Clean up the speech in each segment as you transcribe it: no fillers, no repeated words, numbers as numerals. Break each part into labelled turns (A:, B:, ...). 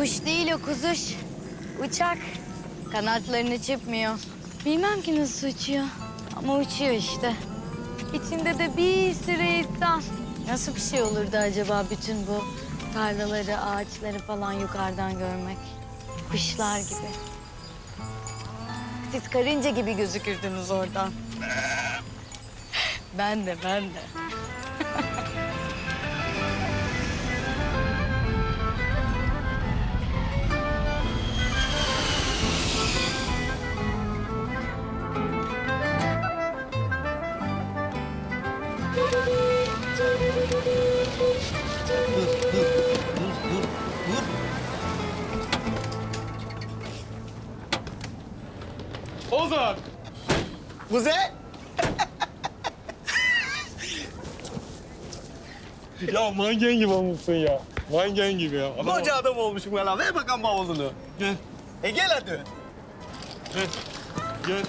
A: Kuş değil o kuzuş. Uçak. Kanatlarını çırpmıyor. Bilmem ki nasıl uçuyor. Ama uçuyor işte. İçinde de bir sürü insan. Nasıl bir şey olurdu acaba bütün bu tarlaları, ağaçları falan yukarıdan görmek? Kuşlar gibi. Siz karınca gibi gözükürdünüz oradan. Ben de.
B: Dur.
C: Ozan!
B: Kuzey.
C: Ya manken gibi olmuşsun ya. Manken gibi ya.
B: Koca adam olmuşum ya lan. Ver bakalım bavulunu.
C: Gel,
B: Gel hadi.
C: gel, gel.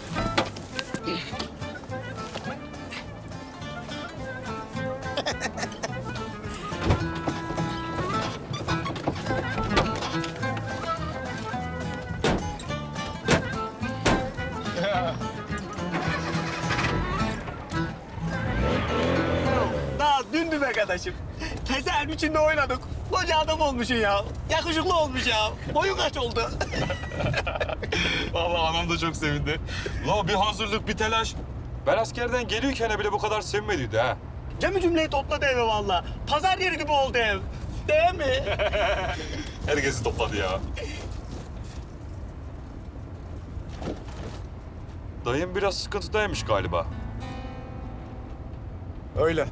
B: Daha dündü be arkadaşım. Teselin içinde oynadık. Koca adam olmuşsun ya. Yakışıklı olmuş ya. Boyun kaç oldu?
C: Vallahi anam da çok sevindi. La bir hazırlık, bir telaş. Ben askerden gelirken bile bu kadar sevinmediydi ha.
B: Cem'i cümleyi topladı eve valla. Pazar yeri gibi oldu ev. Değil mi?
C: Herkesi topladı ya. Dayım biraz sıkıntıdaymış galiba.
B: Öyle.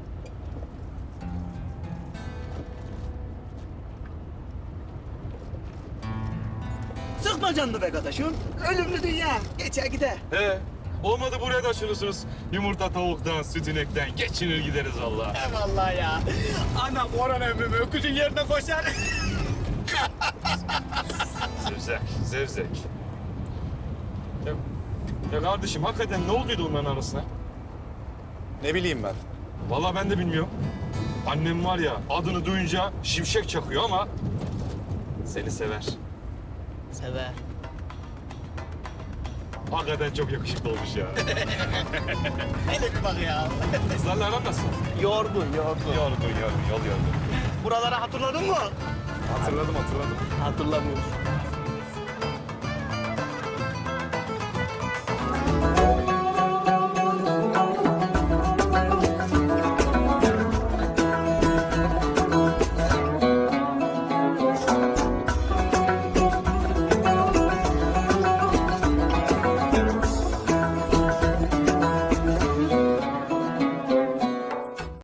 B: Sıkma canını be kardeşim. Ölümlü dünya. Geçer gider.
C: Olmadı buraya taşınırsınız. Yumurta tavuktan, süt inekten geçinir gideriz vallahi.
B: Eyvallah ya. Anam Orhan emmimi öküzün yerine koşar.
C: Zevzek. Ya kardeşim hakikaten ne olduydu onların arasına?
B: Ne bileyim ben.
C: Vallahi ben de bilmiyorum. Annem var ya adını duyunca şimşek çakıyor ama seni sever.
B: Sever.
C: Hakikaten çok yakışıklı olmuş ya.
B: Hele bir bak ya.
C: Kızlarla aran nasıl?
B: Yorgun.
C: Yol yorgun.
B: Buraları hatırladın mı?
C: Hatırladım.
B: Hatırlamıyorum.